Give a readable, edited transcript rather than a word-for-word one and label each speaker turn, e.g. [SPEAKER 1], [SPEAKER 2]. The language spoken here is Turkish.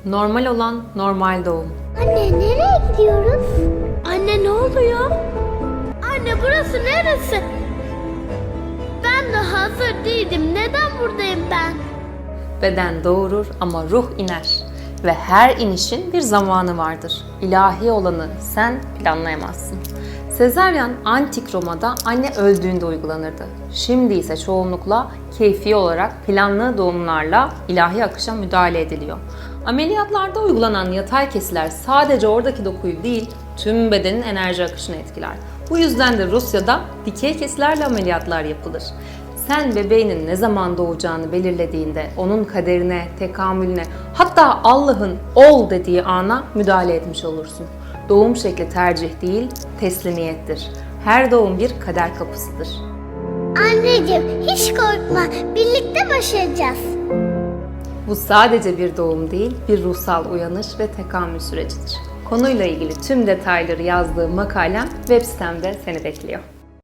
[SPEAKER 1] Normal olan normal doğum.
[SPEAKER 2] Anne nereye gidiyoruz? Anne ne oluyor? Anne burası neresi? Ben de hazır değildim. Neden buradayım ben?
[SPEAKER 1] Beden doğurur ama ruh iner. Ve her inişin bir zamanı vardır. İlahi olanı sen planlayamazsın. Sezaryen antik Roma'da anne öldüğünde uygulanırdı. Şimdi ise çoğunlukla keyfi olarak planlı doğumlarla ilahi akışa müdahale ediliyor. Ameliyatlarda uygulanan yatay kesiler sadece oradaki dokuyu değil, tüm bedenin enerji akışını etkiler. Bu yüzden de Rusya'da dikey kesilerle ameliyatlar yapılır. Sen bebeğinin ne zaman doğacağını belirlediğinde onun kaderine, tekamülüne, hatta Allah'ın ol dediği ana müdahale etmiş olursun. Doğum şekli tercih değil, teslimiyettir. Her doğum bir kader kapısıdır.
[SPEAKER 2] Anneciğim hiç korkma. Birlikte başaracağız.
[SPEAKER 1] Bu sadece bir doğum değil, bir ruhsal uyanış ve tekamül sürecidir. Konuyla ilgili tüm detayları yazdığım makalem web sitemde seni bekliyor.